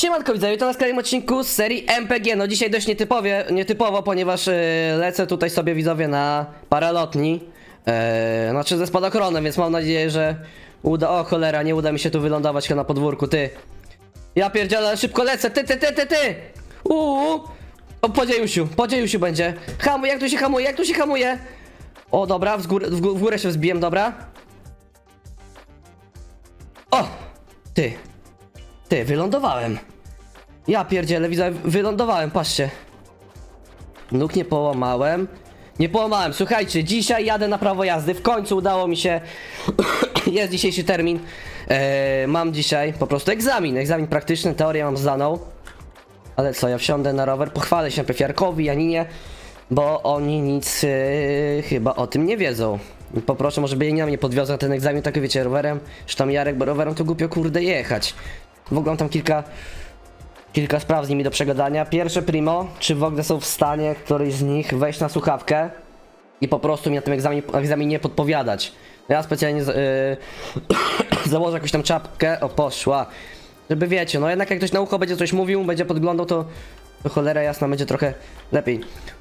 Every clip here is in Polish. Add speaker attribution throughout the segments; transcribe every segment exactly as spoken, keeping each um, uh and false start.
Speaker 1: Siemanko widzowie, to na kolejnym odcinku z serii M P G. No dzisiaj dość nietypowie, nietypowo, ponieważ yy, lecę tutaj sobie widzowie na paralotni. Yy, znaczy ze spadochronem, więc mam nadzieję, że uda... O cholera, nie uda mi się tu wylądować na podwórku, ty. Ja pierdzielę, szybko lecę, ty, ty, ty, ty, ty! Uuu! O, po dziejusiu, po dziejusiu będzie. Hamuj, jak tu się hamuje, jak tu się hamuje? O, dobra, w górę, w gó- w górę się wzbiłem, dobra. O! Ty. Ty, wylądowałem. Ja pierdzielę, widzę, wylądowałem, patrzcie. Nóg nie połamałem. Nie połamałem, słuchajcie, dzisiaj jadę na prawo jazdy. W końcu udało mi się. Jest dzisiejszy termin. eee, Mam dzisiaj po prostu egzamin. Egzamin praktyczny, teorię mam zdaną. Ale co, ja wsiądę na rower, pochwalę się najpierw Jarkowi, Janinie, bo oni nic yy, chyba o tym nie wiedzą. Poproszę, może by Janina mnie podwiozła na ten egzamin, tak wiecie, rowerem. Że tam Jarek, bo rowerem to głupio kurde jechać. W ogóle mam tam kilka Kilka spraw z nimi do przegadania. Pierwsze primo, czy w ogóle są w stanie któryś z nich wejść na słuchawkę i po prostu mi na tym egzaminie, egzaminie podpowiadać. Ja specjalnie z, yy, założę jakąś tam czapkę, o poszła, żeby wiecie, no jednak jak ktoś na ucho będzie coś mówił, będzie podglądał, to, to cholera jasna będzie trochę lepiej.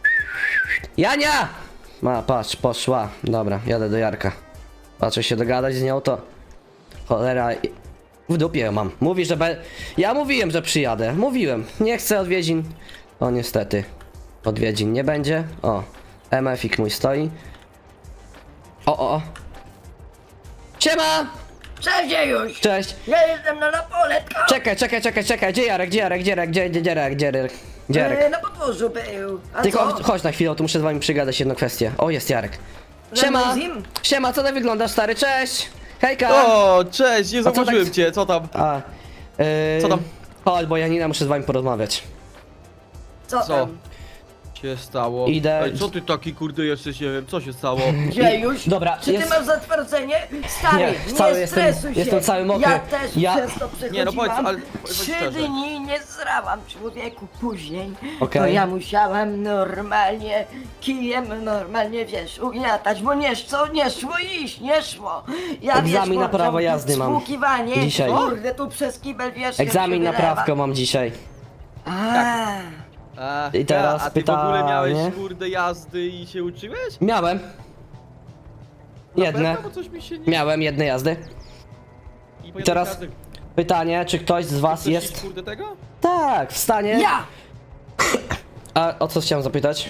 Speaker 1: Jania! Ma, patrz, poszła. Dobra, jadę do Jarka. Patrzę się dogadać z nią, to cholera... W dupie mam. Mówi, że be... Ja mówiłem, że przyjadę. Mówiłem. Nie chcę odwiedzin. O, niestety. Odwiedzin nie będzie. O. M F ik mój stoi. O, o, o. Siema!
Speaker 2: Cześć już!
Speaker 1: Cześć.
Speaker 2: Ja jestem na napoletko!
Speaker 1: Czekaj, czekaj, czekaj, czekaj. Gdzie Jarek? Gdzie Jarek? Gdzie Jarek? Gdzie, gdzie, gdzie Jarek? Gdzie Jarek? Gdzie
Speaker 2: E,
Speaker 1: Jarek?
Speaker 2: na podwórzu był. A
Speaker 1: Tylko
Speaker 2: co?
Speaker 1: chodź, chodź na chwilę, tu muszę z wami przygadać jedną kwestię. O, jest Jarek. Siema!
Speaker 2: Limuzin?
Speaker 1: Siema, co ty wyglądasz, stary? Cześć! Hejka!
Speaker 3: O, cześć, nie
Speaker 1: co
Speaker 3: zauważyłem
Speaker 1: tak-
Speaker 3: cię, co tam?
Speaker 1: A, yy...
Speaker 3: Co tam?
Speaker 1: Chodź, bo Janina, muszę z wami porozmawiać.
Speaker 2: Co,
Speaker 3: Co?
Speaker 2: tam?
Speaker 3: się stało?
Speaker 1: Idę-
Speaker 3: Ej, co ty taki kurde jesteś, nie wiem, co się stało?
Speaker 2: Gdzie już?
Speaker 1: Dobra,
Speaker 2: Czy ty
Speaker 1: jest-
Speaker 2: masz zatwardzenie? Stary,
Speaker 1: Nie,
Speaker 2: nie,
Speaker 1: cały jestem-
Speaker 2: stresuj się.
Speaker 1: jestem cały mokry.
Speaker 2: Ja też
Speaker 1: Ja-
Speaker 2: przez to przechodziłam.
Speaker 3: Nie, no powiedz, ale powiedz
Speaker 2: Trzy
Speaker 3: szczerze.
Speaker 2: dni nie zrałam człowieku później.
Speaker 1: Okej.
Speaker 2: To ja musiałam normalnie kijem, normalnie wiesz, ugniatać, bo nie szło, nie szło iść, nie szło. Ja
Speaker 1: Egzamin
Speaker 2: wiesz,
Speaker 1: na prawo
Speaker 2: włączam
Speaker 1: jazdy mam
Speaker 2: Spłukiwanie,
Speaker 1: dzisiaj.
Speaker 2: kurde, tu przez kibel wiesz.
Speaker 1: Egzamin na
Speaker 2: się wylewa.
Speaker 1: prawko mam dzisiaj.
Speaker 2: A.
Speaker 3: A,
Speaker 1: I teraz
Speaker 3: a ty w ogóle miałeś
Speaker 1: pytanie.
Speaker 3: kurde jazdy i się uczyłeś?
Speaker 1: Miałem.
Speaker 3: Na
Speaker 1: Jedne.
Speaker 3: pewno, bo coś mi się nie...
Speaker 1: Miałem jedne jazdy.
Speaker 3: I po
Speaker 1: Teraz
Speaker 3: jednej jazdy-
Speaker 1: pytanie, czy ktoś z was
Speaker 3: Chcesz
Speaker 1: jest...
Speaker 3: iść, kurde tego?
Speaker 1: Tak, w stanie...
Speaker 2: Ja!
Speaker 1: A o co chciałem zapytać?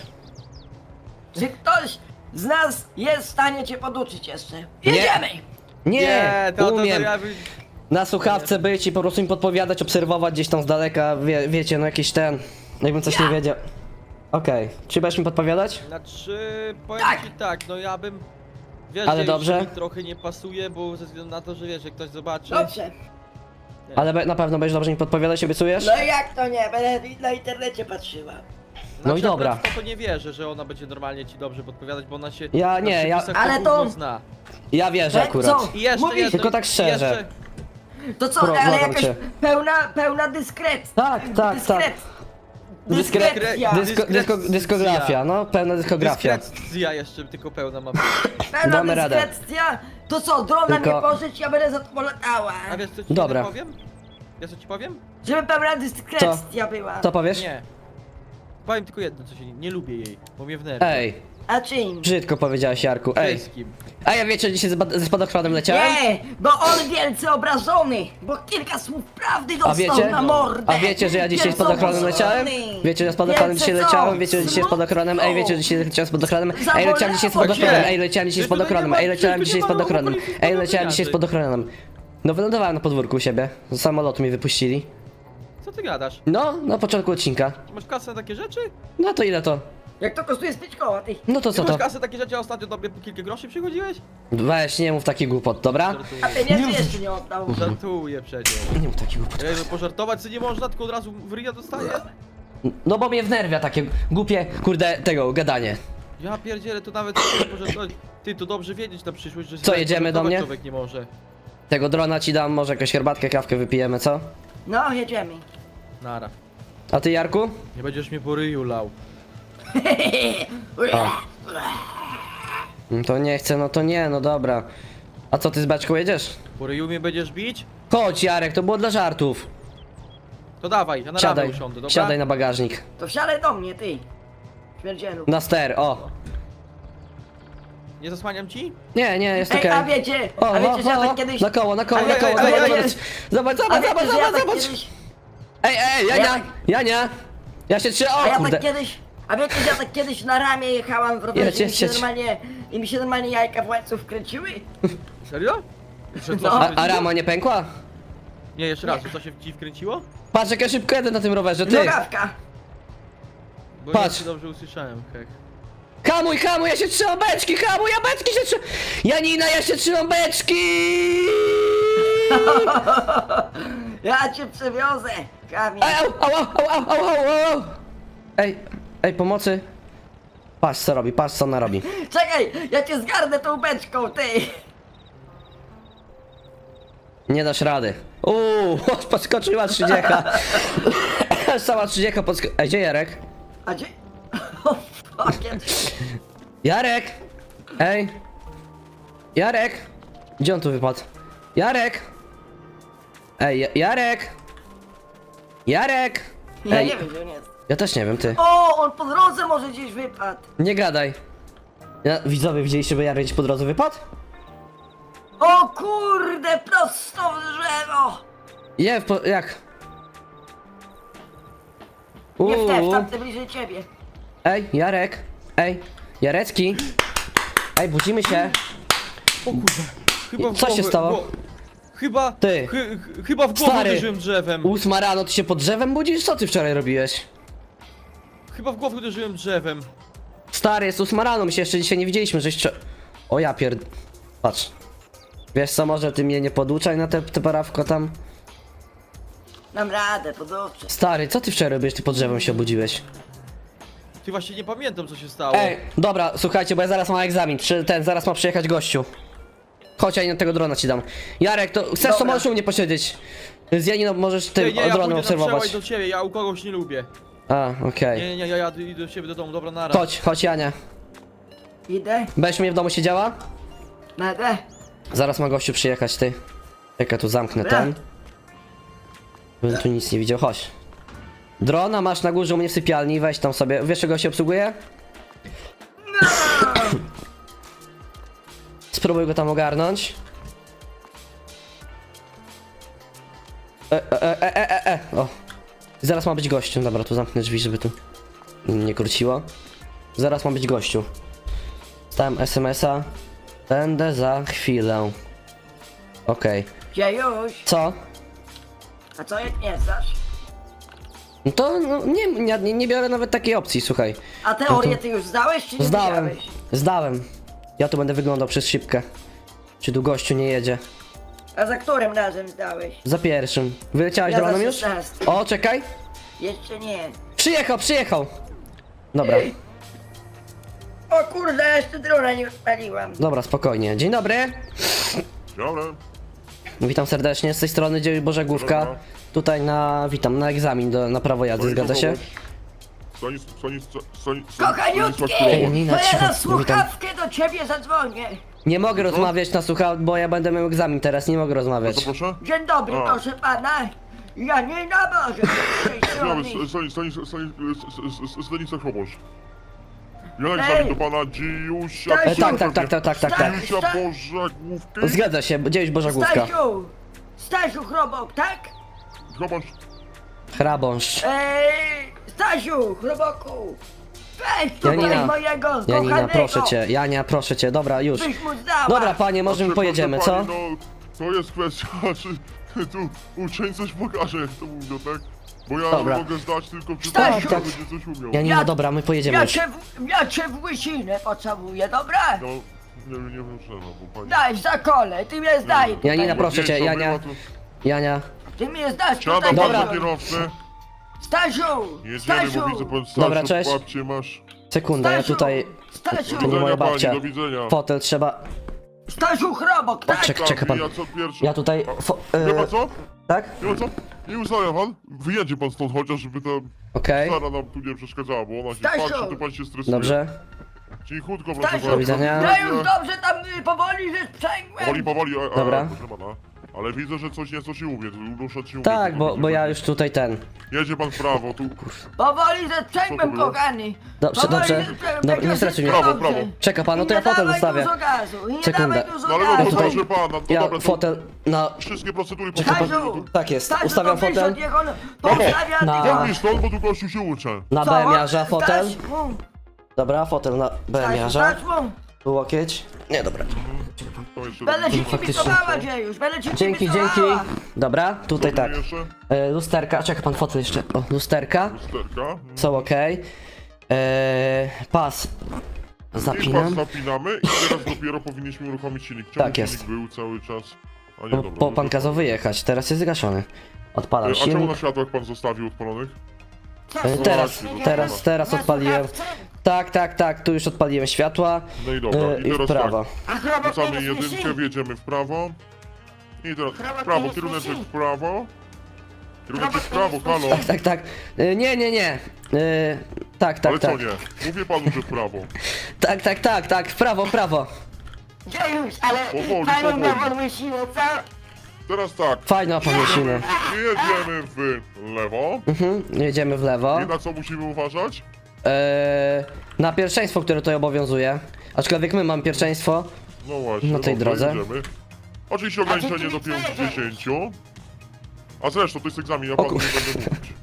Speaker 2: Czy ktoś z nas jest w stanie cię poduczyć jeszcze? Jedziemy!
Speaker 1: Nie,
Speaker 3: to, to, to
Speaker 1: umiem.
Speaker 3: ja... by-
Speaker 1: Na słuchawce być i po prostu im podpowiadać, obserwować gdzieś tam z daleka, wie, wiecie, no jakiś ten... Jakbym coś nie wiedział. Okej, czy będziesz mi podpowiadać?
Speaker 3: Znaczy, powiem
Speaker 2: Tak.
Speaker 3: ci tak, no ja bym... Wiesz,
Speaker 1: Ale
Speaker 3: że
Speaker 1: dobrze.
Speaker 3: już mi trochę nie pasuje, bo ze względu na to, że wiesz, jak ktoś zobaczy...
Speaker 2: Dobrze.
Speaker 1: Ale be, na pewno będziesz dobrze mi podpowiadać, obiecujesz?
Speaker 2: No jak to nie? Będę na internecie patrzyła.
Speaker 1: No i
Speaker 3: Znaczy,
Speaker 1: dobra.
Speaker 3: akurat w To, to nie wierzę, że ona będzie normalnie ci dobrze podpowiadać, bo ona się
Speaker 1: Ja
Speaker 3: na
Speaker 1: nie, ja-
Speaker 3: przepisach
Speaker 2: Ale
Speaker 3: gówno
Speaker 2: to-
Speaker 3: zna.
Speaker 1: Ja wierzę
Speaker 2: E,
Speaker 1: akurat.
Speaker 2: co?
Speaker 3: I jeszcze
Speaker 2: Mówisz-
Speaker 3: jedno,
Speaker 1: Tylko tak
Speaker 3: i
Speaker 1: szczerze.
Speaker 3: Jeszcze,
Speaker 2: To co,
Speaker 1: Pro-
Speaker 2: ale
Speaker 1: błagam
Speaker 2: jakaś
Speaker 1: cię.
Speaker 2: pełna, pełna dyskret.
Speaker 1: Tak, tak,
Speaker 2: dyskret.
Speaker 1: tak. Dyskre-
Speaker 2: Dyskrecja.
Speaker 1: Dysko, dysko, dyskografia, no, pełna dyskografia.
Speaker 3: dyskrecja jeszcze tylko pełna mam.
Speaker 2: Pełna
Speaker 1: Damy radę.
Speaker 2: dyskrecja. To co, drona
Speaker 1: Tylko-
Speaker 2: mnie pożyć, ja będę za to latała.
Speaker 3: A wiesz co ci
Speaker 1: Dobra.
Speaker 3: powiem? Wiesz co ci powiem?
Speaker 2: Żeby pełna dyskrecja była.
Speaker 1: Co powiesz?
Speaker 3: Nie. Powiem tylko jedno, co się nie, nie lubię jej, bo mnie wnerwia.
Speaker 1: Ej,
Speaker 2: A czym?
Speaker 1: brzydko powiedziałeś, Jarku, ej.
Speaker 3: Wszystkim.
Speaker 1: A ja wiecie, dzisiaj ze spa- ze spadochronem leciałem?
Speaker 2: Nie, bo on wielce obrażony, bo kilka słów prawdy dostał
Speaker 1: A wiecie?
Speaker 2: na mordę.
Speaker 1: A wiecie, że ja dzisiaj
Speaker 2: Wielce
Speaker 1: spadochronem leciałem?
Speaker 2: obrażony.
Speaker 1: Wiecie, że ja spadochronem
Speaker 2: Wielce
Speaker 1: dzisiaj
Speaker 2: co?
Speaker 1: leciałem? Wiecie, że dzisiaj spadochronem? Ej, wiecie, że dzisiaj leciałem spadochronem? Ej, leciałem dzisiaj spadochronem, ej, leciałem dzisiaj spadochronem, ej, leciałem dzisiaj spadochronem, ej, leciałem dzisiaj spadochronem. No wylądowałem na podwórku u siebie, z samolotu mi wypuścili.
Speaker 3: Co ty gadasz?
Speaker 1: No, na początku odcinka.
Speaker 3: Masz kasę na takie rzeczy?
Speaker 1: No to ile to?
Speaker 2: Jak to kosztuje z pięć koła, ty?
Speaker 1: No to co
Speaker 3: Ty
Speaker 1: to?
Speaker 3: masz kasę na takie rzeczy, a ostatnio do mnie po kilka groszy przychodziłeś?
Speaker 1: Weź, nie mów taki głupot, dobra?
Speaker 2: A
Speaker 3: Żartuję.
Speaker 2: pieniędzy jeszcze nie oddał.
Speaker 3: Żartuję przecież.
Speaker 1: Nie mów taki głupot.
Speaker 3: Jakby pożartować co nie można, tylko od razu w ryja dostaję?
Speaker 1: No bo mnie wnerwia takie głupie, kurde, tego, gadanie.
Speaker 3: Ja pierdzielę, to nawet pożartować. Ty, to dobrze wiedzieć na przyszłość, że się
Speaker 1: Co,
Speaker 3: tak
Speaker 1: jedziemy do
Speaker 3: pożartować
Speaker 1: mnie?
Speaker 3: człowiek nie może.
Speaker 1: Tego drona ci dam, może jakąś herbatkę, kawkę wypijemy, co?
Speaker 2: No, jedziemy.
Speaker 3: Nara.
Speaker 1: A ty, Jarku?
Speaker 3: Nie będziesz mnie po ryju lał.
Speaker 1: No to nie chcę, no to nie, no dobra. A co, ty z beczką jedziesz?
Speaker 3: Po ryju mnie będziesz bić?
Speaker 1: Chodź, Jarek, to było dla żartów.
Speaker 3: To dawaj, ja na
Speaker 1: Siadaj,
Speaker 3: ramę usiądę, dobra?
Speaker 1: siadaj na bagażnik.
Speaker 2: To wsiadaj do mnie, ty. Śmierdzielu.
Speaker 1: Na ster, o.
Speaker 3: Nie zasłaniam ci?
Speaker 1: Nie, nie, jest
Speaker 2: Ej,
Speaker 1: okej.
Speaker 2: a wiecie,
Speaker 1: O,
Speaker 2: a wiecie,
Speaker 1: o,
Speaker 2: że ja
Speaker 1: o,
Speaker 2: tak kiedyś...
Speaker 1: na koło, na koło,
Speaker 2: A
Speaker 1: na
Speaker 2: wie-
Speaker 1: koło,
Speaker 2: a
Speaker 1: zobacz,
Speaker 2: wiecie-
Speaker 1: zobacz, zobacz,
Speaker 2: A
Speaker 1: zobacz,
Speaker 2: wiecie,
Speaker 1: zobacz,
Speaker 2: że ja
Speaker 1: zobacz,
Speaker 2: tak
Speaker 1: zobacz.
Speaker 2: kiedyś...
Speaker 1: Ej, ej,
Speaker 2: Ja
Speaker 1: Jania,
Speaker 2: tak-
Speaker 1: Jania. Ja się trzymam,
Speaker 2: A
Speaker 1: o
Speaker 2: ja
Speaker 1: kurde.
Speaker 2: tak kiedyś... A wiecie, że ja tak kiedyś na ramię jechałam w rowerze
Speaker 1: Jedź,
Speaker 2: i mi
Speaker 1: jedź,
Speaker 2: się
Speaker 1: jedź.
Speaker 2: normalnie... I mi się normalnie jajka w łańcuch wkręciły?
Speaker 3: Serio? Że co
Speaker 2: No.
Speaker 3: się
Speaker 1: A, a
Speaker 3: wkręciło?
Speaker 1: rama nie pękła?
Speaker 3: Nie, jeszcze raz, że co się ci wkręciło?
Speaker 1: Patrz, jak ja szybko jadę na tym rowerze, ty.
Speaker 2: Nogawka.
Speaker 3: Bo
Speaker 1: Patrz.
Speaker 3: ja cię dobrze usłyszałem, hek.
Speaker 1: Hamuj, hamuj, ja się trzymam beczki, hamuj, ja beczki się trzymam. Janina, ja się trzymam beczki.
Speaker 2: Ja cię przewiozę, Kamil.
Speaker 1: Ej, au, au, au, au, au, au, au, au. Ej, ej, pomocy. Patrz co robi, patrz co ona robi.
Speaker 2: Czekaj, ja cię zgarnę tą beczką, ty.
Speaker 1: Nie dasz rady. Uuu, podskoczyła trzydziecha. Cała trzydziecha podsko... Ej, gdzie Jarek?
Speaker 2: A gdzie... O, fucking...
Speaker 1: Jarek! Ej! Jarek! Gdzie on tu wypadł? Jarek! Ej, Ja- Jarek! Jarek!
Speaker 2: Ja
Speaker 1: Ej,
Speaker 2: nie wiem, gdzie on jest.
Speaker 1: ja też nie wiem, ty.
Speaker 2: O, on po drodze może gdzieś wypadł.
Speaker 1: Nie gadaj. Ja, widzowie, widzieliście, by Jarek gdzieś po drodze wypadł?
Speaker 2: O kurde, prosto w drzewo.
Speaker 1: Nie, w po... jak?
Speaker 2: Nie w te, w
Speaker 1: Uuu.
Speaker 2: tamte bliżej ciebie.
Speaker 1: Ej, Jarek! Ej, Jarecki! Ej, budzimy się!
Speaker 3: O kurwa. Chyba w
Speaker 1: Co się
Speaker 3: głowę-
Speaker 1: stało?
Speaker 3: gło- Chyba...
Speaker 1: Ty.
Speaker 3: Chy, chy, chyba w głowę
Speaker 1: Stary.
Speaker 3: uderzyłem drzewem.
Speaker 1: Ósma rano, ty się pod drzewem budzisz? Co ty wczoraj robiłeś?
Speaker 3: Chyba w głowę uderzyłem drzewem.
Speaker 1: Stary, jest ósma rano, my się jeszcze dzisiaj nie widzieliśmy, żeś trze... O ja pierd... Patrz. Wiesz co, może ty mnie nie poduczaj na te, te parawko tam?
Speaker 2: Dam radę, podłączę.
Speaker 1: Stary, co ty wczoraj robiłeś, ty pod drzewem się obudziłeś?
Speaker 3: Ty właśnie nie pamiętam co się stało.
Speaker 1: Ej, dobra, słuchajcie, bo ja zaraz mam egzamin, czy ten, zaraz ma przyjechać gościu. Chodź, ja tego drona ci dam. Jarek, to chcesz, to
Speaker 2: Dobra.
Speaker 1: możesz u mnie posiedzieć. Z Janiną możesz tym
Speaker 3: nie, nie, ja
Speaker 1: dronem
Speaker 3: pójdę na
Speaker 1: obserwować.
Speaker 3: przełaj do ciebie, ja u kogoś nie lubię.
Speaker 1: A, okej.
Speaker 3: Nie, nie, nie, ja jadę idę do ciebie do domu, dobra, nara.
Speaker 1: Chodź, chodź Jania.
Speaker 2: Idę,
Speaker 1: Będziesz mnie w domu siedziała?
Speaker 2: będę.
Speaker 1: Zaraz ma gościu przyjechać, ty. Jak ja tu zamknę
Speaker 2: Dobra.
Speaker 1: ten. Bym tu nic nie widział, chodź. Drona masz na górze u mnie w sypialni, weź tam sobie. Wiesz czego się obsługuje? Spróbuj go tam ogarnąć. E, e, e, e, e, e. O. Zaraz ma być gościu. Dobra, tu zamknę drzwi, żeby tu nie króciło. Zaraz ma być gościu. Stałem es em es a. Będę za chwilę. Okej.
Speaker 2: Gdzie już?
Speaker 1: Co?
Speaker 2: A co jak nie znasz?
Speaker 1: No to no, nie, nie, nie biorę nawet takiej opcji, słuchaj.
Speaker 2: A teorię ty już zdałeś, czy nie
Speaker 1: Zdałem.
Speaker 2: zdałeś?
Speaker 1: Zdałem. Ja tu będę wyglądał przez szybkę. Czy tu gościu nie jedzie?
Speaker 2: A za którym razem zdałeś?
Speaker 1: Za pierwszym. Wyleciałeś
Speaker 2: Ja za
Speaker 1: dronem już?
Speaker 2: szesnastym.
Speaker 1: O, czekaj.
Speaker 2: Jeszcze nie.
Speaker 1: Przyjechał, przyjechał. Dobra,
Speaker 2: Ej. O kurde, ja jeszcze drona nie odpaliłam.
Speaker 1: dobra, spokojnie. Dzień dobry.
Speaker 4: Dobra.
Speaker 1: Witam serdecznie, z tej strony Dziewięć Bożegłówka.
Speaker 4: Dobra.
Speaker 1: Tutaj na, witam, na egzamin do, na prawo jazdy, zgadza się?
Speaker 4: Stanis, Stanis, Stanis,
Speaker 2: Kochaniutki!
Speaker 1: Ej, Nina,
Speaker 2: To ja
Speaker 1: cicho,
Speaker 2: na
Speaker 1: witam.
Speaker 2: słuchawkę do ciebie zadzwonię.
Speaker 1: Nie mogę rozmawiać na słucha, bo ja będę miał egzamin teraz, nie mogę rozmawiać.
Speaker 4: Co proszę?
Speaker 2: Dzień dobry,
Speaker 4: A.
Speaker 2: proszę pana. Ja nie nabożę z tej strony.
Speaker 4: Stanis, Stanis, Stanis, Stanis, Stanisław Chrobosz. Ja na
Speaker 2: Ej.
Speaker 4: egzamin do pana Dziusia.
Speaker 2: Stasiu.
Speaker 1: E, tak, tak, tak, tak, tak, tak, tak.
Speaker 4: Dziusia
Speaker 2: Sta-
Speaker 4: Bożegłówki.
Speaker 1: Zgadza się, Dziewięć Bożegłówka.
Speaker 2: Stasiu! Stasiu Chrobok, tak?
Speaker 4: Chrobosz.
Speaker 1: Hrabąszcz.
Speaker 2: Eee, Stasiu Chroboku! Weź tutaj
Speaker 1: Janina,
Speaker 2: mojego
Speaker 1: Janina,
Speaker 2: kochanego!
Speaker 1: proszę cię, Jania, proszę cię, dobra, już.
Speaker 2: Byś mu zdała!
Speaker 1: Dobra, panie, może my
Speaker 4: Proszę,
Speaker 1: pojedziemy,
Speaker 4: proszę
Speaker 1: co?
Speaker 4: pani, No, to jest kwestia, czy tu uczeń coś pokaże, jak to mówią, tak? Bo ja
Speaker 1: Dobra.
Speaker 4: mogę zdać tylko przy
Speaker 2: Stasiu!
Speaker 4: tym,
Speaker 1: Tak,
Speaker 4: będzie coś umiał.
Speaker 1: Janina,
Speaker 2: Ja-
Speaker 1: dobra, my pojedziemy
Speaker 2: Ja
Speaker 1: już.
Speaker 2: cię, w, ja cię w łysinę pocałuję, dobra?
Speaker 4: No, nie, nie wiem czemu, bo pani...
Speaker 2: Daj za kole, ty mnie zdaj tutaj.
Speaker 1: Janina, proszę cię,
Speaker 4: Zdjęcia
Speaker 1: Jania.
Speaker 4: była, to-
Speaker 1: Jania,
Speaker 2: Ty mnie zdasz tutaj.
Speaker 4: Siadam
Speaker 1: Dobra.
Speaker 4: pan za kierowcę.
Speaker 2: Stasiu!
Speaker 4: Jedziemy,
Speaker 2: Stasiu!
Speaker 4: bo widzę pan
Speaker 1: Dobra,
Speaker 4: starszą
Speaker 1: cześć.
Speaker 4: babcię masz.
Speaker 1: sekunda, ja
Speaker 2: Stasiu!
Speaker 1: tutaj...
Speaker 2: Stasiu!
Speaker 1: To nie moja
Speaker 4: pani,
Speaker 1: babcia.
Speaker 4: do widzenia.
Speaker 1: Fotel trzeba...
Speaker 2: Stasiu Chrobok, tak?
Speaker 1: Czek, czeka pan.
Speaker 4: Ja co pierwszy.
Speaker 1: Ja tutaj... Fo...
Speaker 4: Wie pan
Speaker 1: e,
Speaker 4: co?
Speaker 1: tak?
Speaker 4: Wie pan co? Nie ustawia pan? Wyjedzie pan stąd chociaż, żeby ta
Speaker 1: Okej,
Speaker 4: Sara nam tu nie przeszkadzała, bo ona się
Speaker 2: Stasiu!
Speaker 4: patrzy, to pan się stresuje.
Speaker 1: dobrze.
Speaker 4: Cichutko, proszę
Speaker 2: Stasiu!
Speaker 4: pana.
Speaker 1: Do widzenia.
Speaker 2: Ja już dobrze tam y, powoli, że sprzęgłem.
Speaker 4: Powoli, powoli, a, a,
Speaker 1: Dobra.
Speaker 4: proszę pana. Ale widzę, że coś nieco ci mówię, ruszać się
Speaker 1: Tak,
Speaker 4: umie,
Speaker 1: bo,
Speaker 4: to
Speaker 1: bo ja
Speaker 4: będzie-
Speaker 1: już tutaj ten.
Speaker 4: Jedzie pan w prawo, tu...
Speaker 2: Powoli ze
Speaker 4: Co to
Speaker 2: sprzęgłem,
Speaker 4: było?
Speaker 2: kochani.
Speaker 1: Dobrze,
Speaker 2: Powoli
Speaker 1: dobrze.
Speaker 2: ze sprzęgłem,
Speaker 1: Dobra,
Speaker 2: będzie
Speaker 1: nie stresuj mnie.
Speaker 2: wszystko
Speaker 4: Prawo,
Speaker 2: dobrze.
Speaker 4: prawo.
Speaker 1: Czeka pan, no
Speaker 2: I
Speaker 1: to ja
Speaker 2: nie
Speaker 1: fotel
Speaker 2: dawaj
Speaker 1: zostawię.
Speaker 2: dużo gazu, i nie
Speaker 1: Sekundę.
Speaker 2: dawaj dużo
Speaker 4: No ale no
Speaker 2: gazu.
Speaker 4: to proszę pana, no
Speaker 1: Ja
Speaker 4: dobra, to
Speaker 1: fotel na...
Speaker 4: wszystkie procedury
Speaker 1: Czekaj, pan-
Speaker 4: potrzebne.
Speaker 1: Tak jest,
Speaker 2: Stasiu,
Speaker 1: ustawiam
Speaker 2: to wyjdź
Speaker 1: fotel.
Speaker 2: od niego, on postawia
Speaker 1: Na-
Speaker 2: tylko-
Speaker 4: Chodź stąd, bo tu gościu się uczę.
Speaker 1: Na
Speaker 2: Co?
Speaker 1: B M jarza fotel.
Speaker 2: Stasiu,
Speaker 1: Dobra, fotel na B M jarza.
Speaker 2: Stasiu,
Speaker 1: Tu łokieć. Nie, dobra.
Speaker 4: To jeszcze
Speaker 2: Będę ci
Speaker 1: Faktycznie.
Speaker 2: kibicowała, Dziejusz, będę ci
Speaker 1: Dzięki, dzięki.
Speaker 2: kibicowała.
Speaker 1: Dobra, tutaj tak.
Speaker 4: jeszcze?
Speaker 1: E, lusterka, czeka pan fotel jeszcze. O, lusterka.
Speaker 4: Lusterka.
Speaker 1: Są ok. E, pas.
Speaker 4: I pas
Speaker 1: Zapinam.
Speaker 4: zapinamy i teraz dopiero powinniśmy uruchomić silnik. Czemu
Speaker 1: Tak jest.
Speaker 4: silnik był cały czas... A nie,
Speaker 1: No,
Speaker 4: dobra.
Speaker 1: po
Speaker 4: no
Speaker 1: pan
Speaker 4: to-
Speaker 1: kazał wyjechać, teraz jest zgaszony. Odpalam
Speaker 4: E, A czemu
Speaker 1: silnik.
Speaker 4: na światłach pan zostawił odpalonych?
Speaker 1: E, Teraz, teraz, teraz odpaliłem. Tak, tak, tak, tu już odpaliłem światła.
Speaker 4: No i dobra,
Speaker 1: E,
Speaker 4: i
Speaker 1: I w
Speaker 4: teraz
Speaker 1: prawo.
Speaker 2: A chrobak
Speaker 4: Wrzucamy
Speaker 2: nie
Speaker 4: jedynkę,
Speaker 2: słyszy?
Speaker 4: wjedziemy w prawo. I teraz
Speaker 2: Prawo
Speaker 4: w prawo,
Speaker 2: nie
Speaker 4: kieruneczek
Speaker 2: słyszy.
Speaker 4: w prawo. Kieruneczek w
Speaker 2: Prawo
Speaker 4: prawo,
Speaker 2: nie
Speaker 4: halo.
Speaker 1: Tak, tak, tak. E, Nie, nie, nie. E, Tak, tak,
Speaker 4: Ale co
Speaker 1: tak.
Speaker 4: nie? Mówię panu, że w prawo.
Speaker 1: Tak, tak, tak, tak, w prawo, w prawo.
Speaker 2: Dziejusz, ale
Speaker 4: Powoli,
Speaker 2: panią
Speaker 4: powoli.
Speaker 2: na wolną siłę, co?
Speaker 4: Teraz tak,
Speaker 1: Fajna pamięciny.
Speaker 4: jedziemy w lewo.
Speaker 1: Mhm, jedziemy w lewo.
Speaker 4: I na co musimy uważać?
Speaker 1: E, Na pierwszeństwo, które tutaj obowiązuje. Aczkolwiek my mamy pierwszeństwo.
Speaker 4: No właśnie,
Speaker 1: Na tej
Speaker 4: dobrze,
Speaker 1: drodze.
Speaker 4: jedziemy. Oczywiście ograniczenie do pięćdziesięciu. A zresztą to jest egzamin, ja panu nie
Speaker 1: kur-
Speaker 4: będę mówić.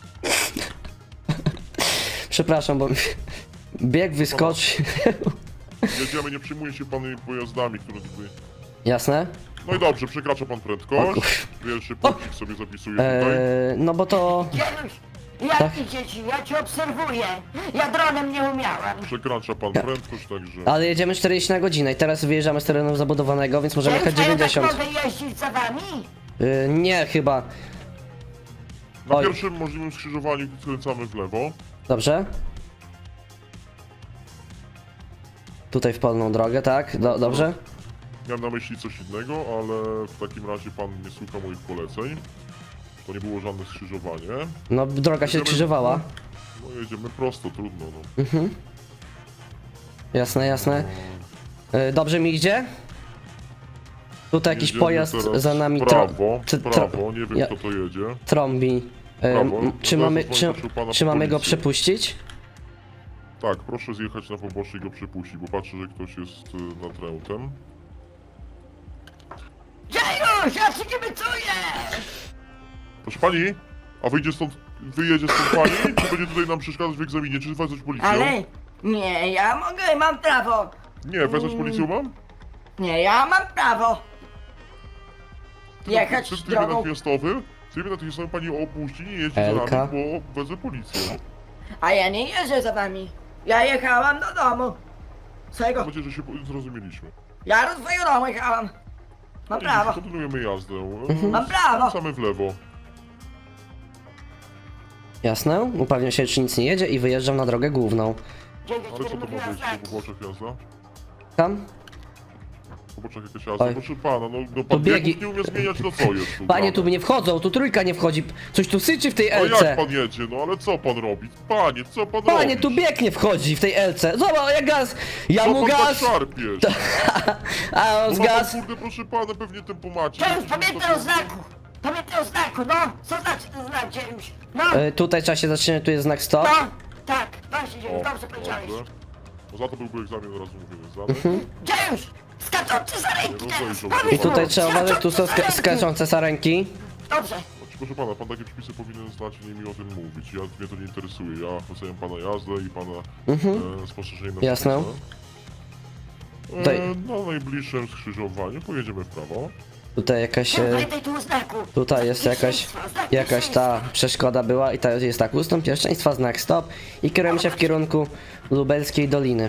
Speaker 1: Przepraszam, bo mi bieg wyskoczy.
Speaker 4: Jedziemy, nie przyjmuje się pan pojazdami, które tutaj...
Speaker 1: Jasne?
Speaker 4: No i dobrze, przekracza pan
Speaker 1: O
Speaker 4: prędkość.
Speaker 1: kur-
Speaker 4: Pierwszy punkcik sobie zapisuję tutaj.
Speaker 1: E, no bo to...
Speaker 2: Dziejusz, jak idzie ci? Ja cię obserwuję. Ja dronem nie umiałam.
Speaker 4: Przekracza pan
Speaker 1: Tak.
Speaker 4: prędkość, także...
Speaker 1: Ale jedziemy czterdzieści na godzinę i teraz wyjeżdżamy z terenu zabudowanego, więc możemy jechać
Speaker 2: Dziejusz, a ja tak
Speaker 1: dziewięćdziesiąt.
Speaker 2: mogę jeździć za wami?
Speaker 1: E, Nie, chyba.
Speaker 4: Na
Speaker 1: Oj.
Speaker 4: pierwszym możliwym skrzyżowaniu skręcamy w lewo.
Speaker 1: Dobrze? Tutaj w polną drogę, tak? Do, dobrze?
Speaker 4: Miałem na myśli coś innego, ale w takim razie pan nie słucha moich poleceń. To nie było żadne skrzyżowanie.
Speaker 1: No, droga się
Speaker 4: Jedziemy-
Speaker 1: skrzyżowała.
Speaker 4: No jedziemy prosto, trudno no.
Speaker 1: Jasne, jasne. E, Dobrze mi idzie? Tutaj jakiś
Speaker 4: Jedziemy
Speaker 1: pojazd
Speaker 4: teraz
Speaker 1: za nami
Speaker 4: w
Speaker 1: tro-
Speaker 4: prawo,
Speaker 1: tr-
Speaker 4: w
Speaker 1: tro-
Speaker 4: prawo, nie wiem
Speaker 1: ja-
Speaker 4: kto to jedzie.
Speaker 1: trąbi. E,
Speaker 4: Prawo.
Speaker 1: m- Czy
Speaker 4: Zaraz
Speaker 1: mamy,
Speaker 4: zadzwonię,
Speaker 1: czy,
Speaker 4: proszę pana,
Speaker 1: czy
Speaker 4: po
Speaker 1: mamy go
Speaker 4: policję.
Speaker 1: przepuścić?
Speaker 4: Tak, proszę zjechać na pobocze i go przepuścić, bo patrzę, że ktoś jest y, natrętem.
Speaker 2: Dziejusz, ja ci kibicuję!
Speaker 4: Proszę pani, a wyjdzie stąd, wyjedzie stąd pani, czy będzie tutaj nam przeszkadzać w egzaminie, czy wezwać policję?
Speaker 2: Ale nie, ja mogę, mam prawo.
Speaker 4: Nie, wezwać policję mam?
Speaker 2: Nie, ja mam prawo. Jechać
Speaker 4: Przed tym
Speaker 2: drogą.
Speaker 4: natychmiastowym, w trybie natychmiastowym pani opuści, nie jeździ za
Speaker 1: Elka.
Speaker 4: nami, bo wezmę policję.
Speaker 2: A ja nie jeżdżę za wami. Ja jechałam do domu. Swojego.
Speaker 4: Mam nadzieję, że się po- zrozumieliśmy.
Speaker 2: Ja do swojego domu jechałam. Mam
Speaker 4: I
Speaker 2: prawo.
Speaker 4: Kontynuujemy jazdę.
Speaker 2: Mam prawo.
Speaker 4: Same w lewo.
Speaker 1: Jasne. Upewniam się, czy nic nie jedzie i wyjeżdżam na drogę główną.
Speaker 2: Dzięki,
Speaker 4: Ale co to ma
Speaker 2: mówiła
Speaker 4: być?
Speaker 2: znaki.
Speaker 4: Po poboczach jazda?
Speaker 1: Tam?
Speaker 4: Po poboczach jakaś jazda?
Speaker 1: Oj.
Speaker 4: Proszę pana, no, no pan
Speaker 1: biegi-
Speaker 4: biegów nie umie zmieniać, no co jest tu?
Speaker 1: Panie, tu
Speaker 4: grane?
Speaker 1: nie wchodzą, tu trójka nie wchodzi. Coś tu syczy w tej
Speaker 4: A jak
Speaker 1: elce.
Speaker 4: pan jedzie, no ale co pan robi? Panie, co pan
Speaker 1: Panie,
Speaker 4: robi?
Speaker 1: tu bieg nie wchodzi w tej elce. Zobacz, jak gaz. Ja
Speaker 4: Co
Speaker 1: mu
Speaker 4: pan tak
Speaker 1: gaz,
Speaker 4: szarpiesz?
Speaker 1: a on
Speaker 4: No
Speaker 1: z
Speaker 4: ma pan,
Speaker 1: gaz.
Speaker 4: kurde, proszę pana, pewnie tempomacie.
Speaker 2: Dziejusz, pamiętaj o znaku. Pamiętaj o znaku, no. Co znaczy ten znak, Dziejusz? No,
Speaker 1: E, tutaj trzeba się zatrzymać, tu jest znak stop.
Speaker 2: no. Tak, właśnie, Dziejusz,
Speaker 4: O,
Speaker 2: dobrze powiedziałeś.
Speaker 4: dobrze. No za to byłby egzamin, od razu mówię, zdany.
Speaker 1: Mhm.
Speaker 2: Dziejusz, skaczący za ręki
Speaker 4: Nie
Speaker 2: teraz.
Speaker 4: rozejrzał
Speaker 2: Powiedz
Speaker 1: I
Speaker 4: się.
Speaker 1: tutaj
Speaker 2: mu,
Speaker 1: trzeba uważać, tu są ska
Speaker 2: skaczący za
Speaker 1: skaczące sarenki.
Speaker 2: ręki. Dobrze.
Speaker 4: Znaczy, proszę pana, pan takie przepisy powinien znać i nie mi o tym mówić. Ja, mnie to nie interesuje. Ja oceniam pana jazdę i pana e, spostrzeżenie na
Speaker 1: Mhm. Jasne.
Speaker 4: przepisy.
Speaker 1: Tutaj-
Speaker 4: E, na najbliższym skrzyżowaniu pojedziemy w prawo.
Speaker 1: Tutaj jakaś...
Speaker 2: Nie,
Speaker 1: E,
Speaker 2: pamiętaj tu o znaku.
Speaker 1: tutaj jest jakaś...
Speaker 2: Pierwszeństwa, znak
Speaker 1: Jakaś ta
Speaker 2: pierwszeństwa.
Speaker 1: przeszkoda była i ta jest tak, ustąp pierwszeństwa, znak stop i kierujemy się w kierunku Lubelskiej Doliny.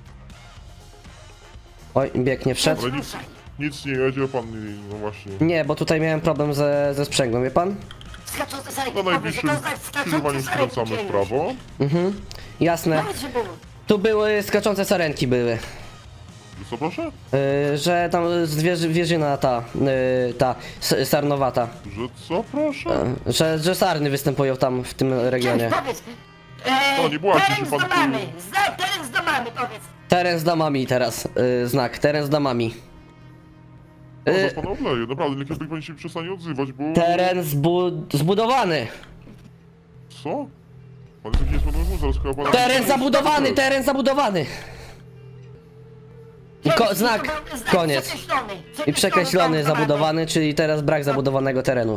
Speaker 1: Oj, bieg nie wszedł.
Speaker 4: Ale nic, nic nie jedzie, pan nie, no właśnie.
Speaker 1: Nie, bo tutaj miałem problem ze, ze sprzęgłem, wie pan?
Speaker 2: Skaczący za ręki.
Speaker 4: Na
Speaker 2: Powiedz,
Speaker 4: najbliższym
Speaker 2: że to znak
Speaker 4: skrzyżowaniu
Speaker 2: skaczący za ręki,
Speaker 4: skręcamy w
Speaker 2: Dziejusz.
Speaker 4: prawo.
Speaker 1: Jasne.
Speaker 2: Powiedz, że było.
Speaker 1: Tu były skaczące sarenki były.
Speaker 4: Co proszę?
Speaker 1: Yy, że tam zwierzy, wieżyna ta, yy, ta s- sarnowata.
Speaker 4: Że co proszę?
Speaker 1: Yy, że, że sarny występują tam w tym regionie.
Speaker 2: Dziejusz, powiedz. E,
Speaker 4: No, nie błaźcie się
Speaker 2: teren z
Speaker 4: pan tu.
Speaker 2: domami. Znak, teren z domami, powiedz.
Speaker 1: Teren z damami teraz, yy, znak, teren z damami.
Speaker 4: No,
Speaker 1: Y-
Speaker 4: zaraz pana obleję, naprawdę, niech lepiej pani się przestanie odzywać, bo...
Speaker 1: Teren zbu zbudowany.
Speaker 4: Co? Pan jest jakiś niesłodny, zaraz chyba pana...
Speaker 1: Teren zabudowany, teren zabudowany. I ko znak, koniec.
Speaker 2: Przekreślony,
Speaker 1: I przekreślony,
Speaker 2: pan
Speaker 1: zabudowany, czyli teraz brak zabudowanego terenu.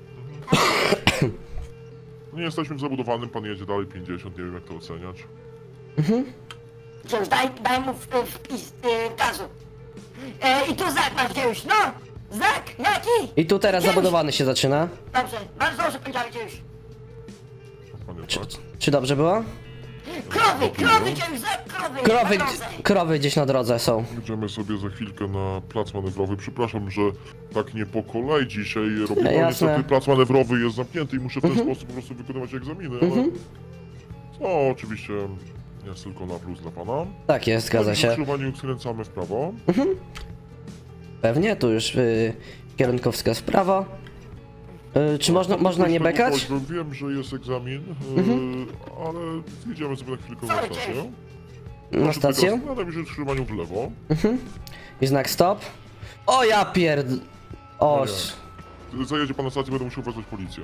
Speaker 4: Nie jesteśmy w zabudowanym, pan jedzie dalej pięćdziesiąt, nie wiem jak to oceniać.
Speaker 2: Gdzieś daj, daj mu w- w- wpis y, gazu. E, I tu znak masz gdzieś, no! Znak, jaki?
Speaker 1: I tu teraz
Speaker 2: Gdzieś.
Speaker 1: zabudowany się zaczyna.
Speaker 2: Dobrze, bardzo dobrze powiedziałeś gdzieś.
Speaker 4: Panie,
Speaker 1: Czy,
Speaker 4: tak?
Speaker 1: czy dobrze było?
Speaker 2: Krowy, krowy gdzieś, znak krowy!
Speaker 1: Krowy,
Speaker 2: na drodze.
Speaker 1: krowy gdzieś na drodze są.
Speaker 4: Będziemy sobie za chwilkę na plac manewrowy. Przepraszam, że tak nie po kolei dzisiaj robimy.
Speaker 1: Jasne.
Speaker 4: Niestety plac manewrowy jest zamknięty i muszę w ten sposób po prostu wykonywać egzaminy, ale... No, oczywiście jest tylko na plus dla pana.
Speaker 1: Tak jest, zgadza
Speaker 4: W
Speaker 1: się.
Speaker 4: skrzyżowaniu skręcamy w prawo.
Speaker 1: Pewnie, tu już y, kierunkowskaz w prawo. Y, czy można,
Speaker 4: Tak,
Speaker 1: można nie
Speaker 4: tego
Speaker 1: bekać?
Speaker 4: prośbę. Wiem, że jest egzamin,
Speaker 1: Mhm.
Speaker 4: yy, ale jedziemy sobie na chwilkę na
Speaker 2: Co
Speaker 4: stację.
Speaker 2: gdzieś?
Speaker 1: Na stację?
Speaker 4: Na najbliższym skrzyżowaniu w lewo.
Speaker 1: I znak stop. O ja pierd... O,
Speaker 4: No Zajedzie pan na stację, będę musiał wezwać policję.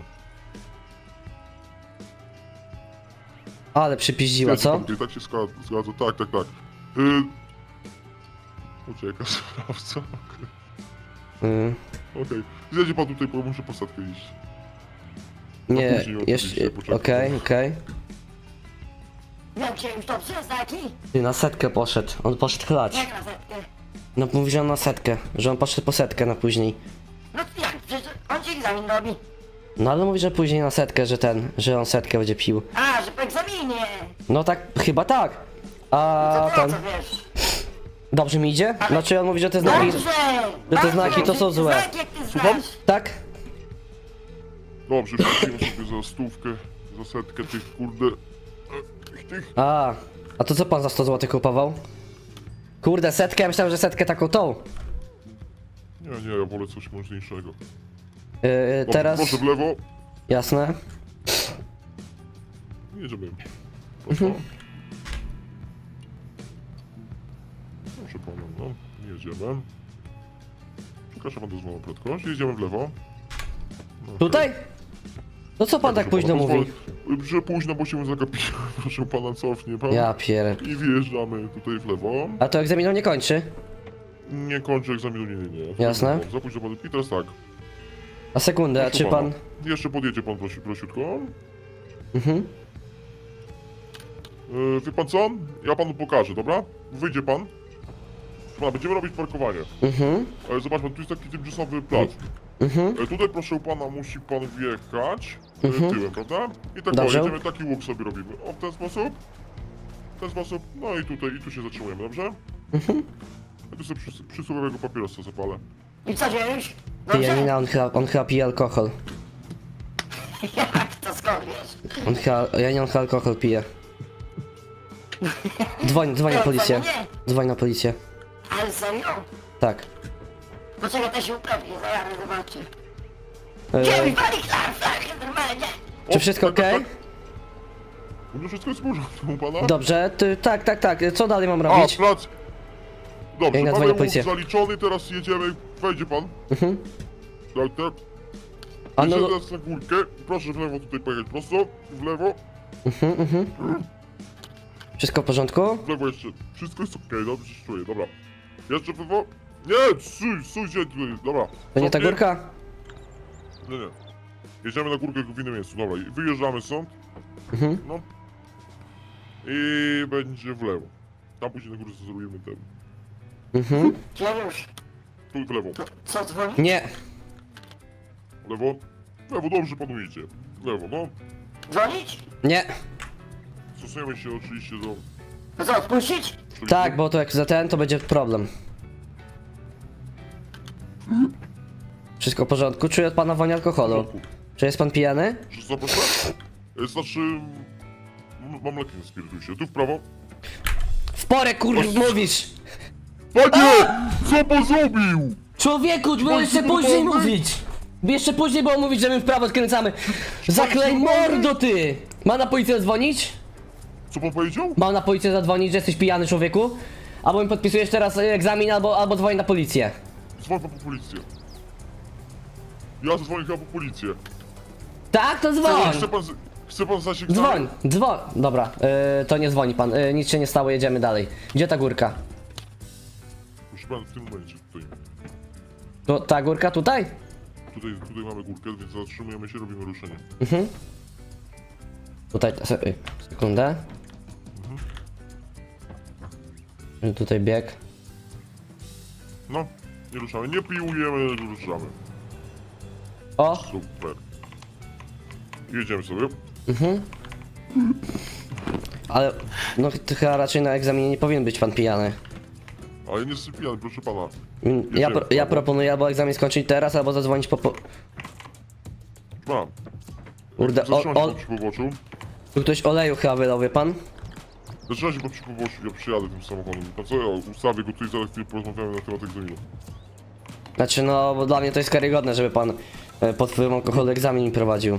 Speaker 1: ale przypiździła,
Speaker 4: Jedzie
Speaker 1: co?
Speaker 4: pan tutaj, tak się zgadza, zgadza. Tak, tak, tak. Yy... Ucieka sprawca. Okej.
Speaker 1: Y,
Speaker 4: Okay. Zjedzie pan tutaj, bo muszę po statkę iść.
Speaker 1: nie,
Speaker 4: później
Speaker 1: jeszcze...
Speaker 4: oczywiście, poczekaj.
Speaker 1: Okej, okej.
Speaker 2: Jak się już dobrze, znaki?
Speaker 1: Ty, na setkę poszedł. On poszedł chlać.
Speaker 2: Jak na setkę?
Speaker 1: No mówi, że on na setkę. Że on poszedł po setkę na później.
Speaker 2: No to jak, przecież on ci egzamin robi.
Speaker 1: No ale mówi, że później na setkę, że ten... Że on setkę będzie pił.
Speaker 2: A, że po egzaminie.
Speaker 1: No tak, chyba tak. A
Speaker 2: To ty o
Speaker 1: ten...
Speaker 2: co wiesz?
Speaker 1: Dobrze mi idzie? Znaczy on mówi, że te znaki...
Speaker 2: Dobrze!
Speaker 1: Że te znaki to są złe.
Speaker 2: Znaki jak ty znasz.
Speaker 1: Tak?
Speaker 4: Dobrze, wrócimy sobie za stówkę, za setkę tych kurde... e, Tych, tych.
Speaker 1: A, a to co pan za sto złotych kupował? Kurde, setkę, ja myślałem, że setkę taką tą.
Speaker 4: Nie, nie, ja wolę coś mocniejszego.
Speaker 1: Yy,
Speaker 4: Dobrze,
Speaker 1: teraz...
Speaker 4: proszę w lewo.
Speaker 1: Jasne.
Speaker 4: Jedziemy. Proszę.
Speaker 1: Mhm.
Speaker 4: Proszę pana, no, jedziemy. Przepraszam pan dozwolą prędkość, jedziemy w lewo. No,
Speaker 1: Tutaj? No co pan tak
Speaker 4: proszę
Speaker 1: późno
Speaker 4: pana,
Speaker 1: mówi?
Speaker 4: pozwolę- Że późno, bo się zagapiłem. Proszę pana, cofnie pan.
Speaker 1: Ja pier...
Speaker 4: I wjeżdżamy tutaj w lewo.
Speaker 1: A to egzaminu nie kończy?
Speaker 4: Nie kończę egzaminu, nie, nie, nie.
Speaker 1: Jasne.
Speaker 4: Za późno pan. I teraz tak.
Speaker 1: A sekundę, a
Speaker 4: Proszę
Speaker 1: czy
Speaker 4: pana,
Speaker 1: pan...
Speaker 4: Jeszcze podjedzie pan prosi, prosiutko.
Speaker 1: Mhm.
Speaker 4: Yy, wie pan co? Ja panu pokażę, dobra? Wyjdzie pan. Pana, będziemy robić parkowanie.
Speaker 1: Mhm.
Speaker 4: E, zobacz pan, tu jest taki tymczasowy plac.
Speaker 1: Mhm.
Speaker 4: E, tutaj proszę pana, musi pan wjechać e,
Speaker 1: Mhm.
Speaker 4: tyłem, prawda? I tak o,
Speaker 1: Dobrze.
Speaker 4: jedziemy, taki łuk sobie robimy. O, w ten sposób. W ten sposób. No i tutaj, i tu się zatrzymujemy, dobrze?
Speaker 1: Mhm.
Speaker 4: Ja tu sobie przys przysłowiowego papierosa zapalę.
Speaker 2: I co dzieje?
Speaker 1: Ty, Janina, on chyba, on chyba pije alkohol.
Speaker 2: Jak to skąd wiesz?
Speaker 1: On chyba... Janina, on chyba alkohol pije. Dzwoń, dzwoń na
Speaker 2: Nie,
Speaker 1: policję.
Speaker 2: nie.
Speaker 1: Dzwoń na policję.
Speaker 2: Ale serio?
Speaker 1: Tak.
Speaker 2: Poczekaj, to się upewni, zaraz zobaczę.
Speaker 1: Yy,
Speaker 2: Gdzie mi pali klar, flachy, normalnie?
Speaker 1: czy wszystko
Speaker 4: tak, tak,
Speaker 1: okej?
Speaker 4: tak. No wszystko jest w porządku u pana?
Speaker 1: Dobrze, ty, tak, tak, tak. Co dalej mam
Speaker 4: A,
Speaker 1: robić?
Speaker 4: plac. Dobrze,
Speaker 1: Ja
Speaker 4: mamy
Speaker 1: nadzwonię
Speaker 4: łuk
Speaker 1: policję.
Speaker 4: zaliczony, teraz jedziemy. Wejdzie pan.
Speaker 1: Mhm.
Speaker 4: Tak, tak.
Speaker 1: A no,
Speaker 4: Jedziemy
Speaker 1: no,
Speaker 4: teraz na górkę. Proszę w lewo tutaj pojechać prosto. W lewo.
Speaker 1: mhm, mhm. Wszystko w porządku?
Speaker 4: W lewo jeszcze. Wszystko jest okej, dobrze się czuję, dobra. Jeszcze w lewo. Nie, stój, stój się tutaj, dobra.
Speaker 1: To nie ta
Speaker 4: Cofnij.
Speaker 1: górka?
Speaker 4: Nie, nie. Jedziemy na górkę w innym miejscu, dobra. I wyjeżdżamy stąd.
Speaker 1: Mhm.
Speaker 4: No. I będzie w lewo. Tam później na górze zrobimy ten.
Speaker 1: Mhm.
Speaker 2: Gdzie już?
Speaker 4: Tu w lewo.
Speaker 2: To co dzwoni?
Speaker 1: Nie.
Speaker 4: W lewo. W lewo, dobrze panu idzie. W lewo, no.
Speaker 2: Dzwonić?
Speaker 1: Nie.
Speaker 4: Stosujemy się oczywiście do...
Speaker 2: To co, odpuścić?
Speaker 1: Tak, bo to jak za ten, to będzie problem. Wszystko w porządku? Czuję od pana woń alkoholu. Czy jest pan pijany?
Speaker 4: Że co, proszę? E, Znaczy... m- Mam leki na spirytusie. Tu w prawo.
Speaker 1: W porę kur... mówisz!
Speaker 4: Panie! Co pan zrobił?
Speaker 1: Człowieku, było jeszcze
Speaker 4: kurwa,
Speaker 1: później
Speaker 4: wy-
Speaker 1: mówić! Jeszcze później było mówić, że my w prawo skręcamy. Zaklej mordo ty! Ma na policję zadzwonić?
Speaker 4: Co pan powiedział?
Speaker 1: Mam na policję zadzwonić, że jesteś pijany, człowieku? Albo mi podpisujesz teraz egzamin, albo, albo dzwoni na policję.
Speaker 4: Dzwoń pan po policję. Ja zadzwonię chyba po policję.
Speaker 1: Tak, to dzwoń!
Speaker 4: Chce pan, z- chce pan zdać egzamin?
Speaker 1: Dzwoń, dzwoń. Dobra, yy, to nie dzwoni pan, yy, nic się nie stało, jedziemy dalej. Gdzie ta górka?
Speaker 4: Proszę pan, w tym momencie tutaj.
Speaker 1: To, ta górka tutaj?
Speaker 4: Tutaj, tutaj mamy górkę, więc zatrzymujemy się, robimy ruszenie.
Speaker 1: Mhm. Tutaj, se, y, sekundę. Mhm. Tutaj bieg.
Speaker 4: No, nie ruszamy, nie piłujemy, ruszamy.
Speaker 1: O,
Speaker 4: Super. Jedziemy sobie.
Speaker 1: ale no to chyba raczej na egzaminie nie powinien być pan pijany.
Speaker 4: Ale nie jestem pijany, proszę pana.
Speaker 1: Mm, Ja, pro, ja proponuję albo egzamin skończyć teraz, albo zadzwonić po... po...
Speaker 4: Mam.
Speaker 1: Kurde, o,
Speaker 4: Zatrzymaj się
Speaker 1: o,
Speaker 4: po przy poboczu.
Speaker 1: tu ktoś oleju chyba wylał, wie pan?
Speaker 4: Zatrzymaj się po przy poboczu, ja przyjadę tym samochodem. A co ja ustawię go tutaj, zaraz chwilę porozmawiamy na temat egzaminu.
Speaker 1: Znaczy no, bo dla mnie to jest karygodne, żeby pan e, pod wpływem alkoholu egzamin mi prowadził.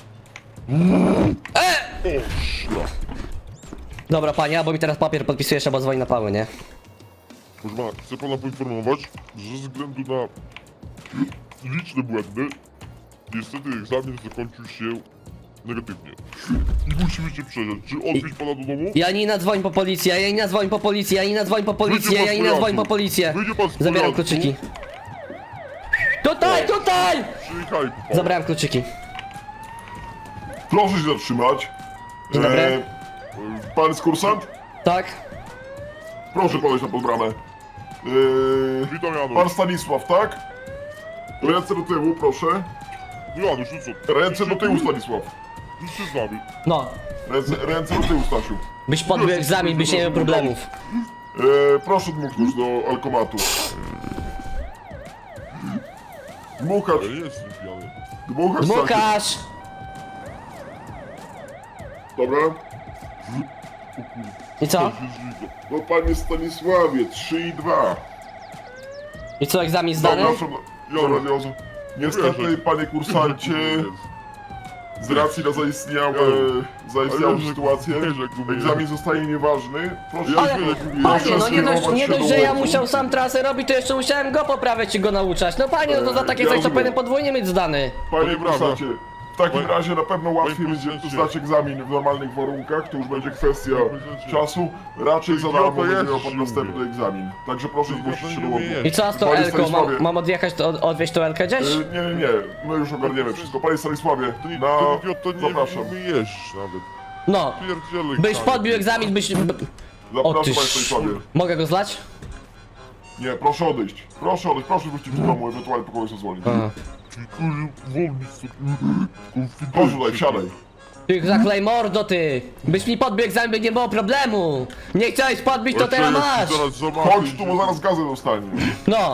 Speaker 4: O, szlak.
Speaker 1: Dobra panie, albo mi teraz papier podpisujesz, albo dzwoni na pały, nie?
Speaker 4: Proszę pana, chcę pana poinformować, że ze względu na liczne błędy, niestety egzamin zakończył się negatywnie. I musimy się przeżyć. Czy odwieźć pana do domu?
Speaker 1: Janina dzwoń po policję, Janina dzwoń po policję, Janina dzwoń po policję,
Speaker 4: Wyjdzie pan z
Speaker 1: Janina dzwoń
Speaker 4: pojazdu.
Speaker 1: po policję.
Speaker 4: Wyjdzie pan z
Speaker 1: Zabieram
Speaker 4: pojazdu.
Speaker 1: kluczyki. Tutaj, tutaj!
Speaker 4: Przyjechaj pan.
Speaker 1: Zabrałem kluczyki.
Speaker 5: Proszę się zatrzymać.
Speaker 1: Dzień dobry.
Speaker 5: E, pan jest kursant?
Speaker 1: Tak?
Speaker 5: Proszę podejść na podbramę. E,
Speaker 4: Witam Janusz.
Speaker 5: pan Stanisław, tak? Ręce do tyłu, proszę.
Speaker 4: No Janusz, no co?
Speaker 5: Ręce do tyłu, Stanisław.
Speaker 4: Idź się z nami.
Speaker 1: No.
Speaker 5: Ręce, ręce do tyłu, Stasiu.
Speaker 1: Byś podbił egzamin, byś nie miał problemów.
Speaker 5: E, proszę dmuchnąć do alkomatu. Dmuchać,
Speaker 4: Ale nie jestem pijany.
Speaker 5: dmuchać, Stasiu.
Speaker 1: Dmuchasz!
Speaker 5: Dobra.
Speaker 1: I co?
Speaker 5: No panie Stanisławie, trzy i dwa.
Speaker 1: I co, egzamin zdany?
Speaker 5: Zapraszam. Dobra, Jezu. Niestety, panie kursancie, z racji na zaistniałe, zaistniałą
Speaker 4: Ale
Speaker 5: sytuację,
Speaker 4: wiesz, jak mówię.
Speaker 5: egzamin zostaje nieważny. Proszę
Speaker 1: Ale,
Speaker 5: się
Speaker 1: panie, no nie dość,
Speaker 5: skierować
Speaker 1: nie
Speaker 5: się
Speaker 1: dość,
Speaker 5: do
Speaker 1: że ja
Speaker 5: łeku.
Speaker 1: musiał sam trasę robić, to jeszcze musiałem go poprawiać i go nauczać. No panie, no to za takie
Speaker 5: Ja
Speaker 1: coś to
Speaker 5: rozumiem.
Speaker 1: powinien podwójnie mieć zdany.
Speaker 5: Panie
Speaker 4: Panie brawo.
Speaker 5: kursancie, w takim
Speaker 4: Panie-
Speaker 5: razie na pewno łatwiej
Speaker 4: Panie
Speaker 5: będzie
Speaker 4: prezydencie.
Speaker 5: zdać egzamin w normalnych warunkach, to już będzie kwestia
Speaker 4: Panie prezydencie.
Speaker 5: czasu. Raczej za
Speaker 4: Idiota
Speaker 5: darmo będzie
Speaker 4: jest,
Speaker 5: miał pan
Speaker 4: mówię.
Speaker 5: następny egzamin. Także proszę
Speaker 4: Idiota
Speaker 5: zgłosić się
Speaker 4: nie
Speaker 5: do łoku.
Speaker 4: umie
Speaker 1: I co z tą
Speaker 5: Panie
Speaker 1: Elką? Mam,
Speaker 5: Stanisławie.
Speaker 1: mam odjechać, to od, odwieźć tą Elkę gdzieś?
Speaker 5: E, Nie, nie, nie, my już ogarniemy wszystko. Panie Stanisławie,
Speaker 4: Ty,
Speaker 5: na...
Speaker 4: ty idiota, nie
Speaker 5: zapraszam.
Speaker 4: umiesz nawet.
Speaker 1: No.
Speaker 4: Pierdzielej,
Speaker 1: Byś
Speaker 4: Kanie.
Speaker 1: podbił egzamin, byś... b- O
Speaker 5: Zapraszam,
Speaker 1: ty
Speaker 5: panie
Speaker 1: sz-
Speaker 5: Stanisławie.
Speaker 1: Mogę go zlać?
Speaker 5: Nie, proszę odejść. Proszę odejść, proszę wyjść z domu, ewentualnie po kogoś zadzwonić.
Speaker 1: Aha.
Speaker 4: Ty, kurde, wolny sobie.
Speaker 5: Proszę tutaj, wsiadaj.
Speaker 1: Ty zaklej mordo, ty! Byś mi podbił egzamin, by nie było problemu! Nie chciałeś podbić, to teraz masz!
Speaker 4: Zaraz zobaczysz,
Speaker 5: Chodź tu, bo zaraz gazę dostanie.
Speaker 1: No!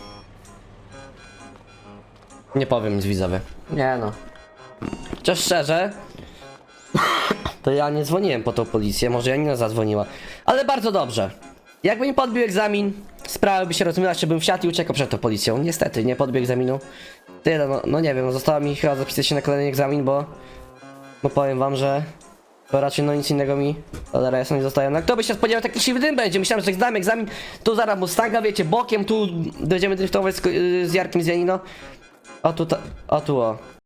Speaker 1: Nie powiem nic widzowie. Nie no. Chociaż szczerze, to ja nie dzwoniłem po tą policję, może Janina zadzwoniła. Ale bardzo dobrze. Jakby mi podbił egzamin, sprawa by się rozumiała, czy bym wsiadł i uciekał przed tą policją. Niestety, nie podbił egzaminu. Tyle, no, no nie wiem, no zostało mi chyba zapisać się na kolejny egzamin, bo... Bo powiem wam, że... To raczej no nic innego mi cholera jasno nie zostaje. No kto by się spodziewał, taki siwy dym będzie. Myślałem, że zdamy egzamin, tu zaraz Mustanga, wiecie, bokiem, tu będziemy driftować z, z Jarkiem z Janino. O tu, ta, o tu o.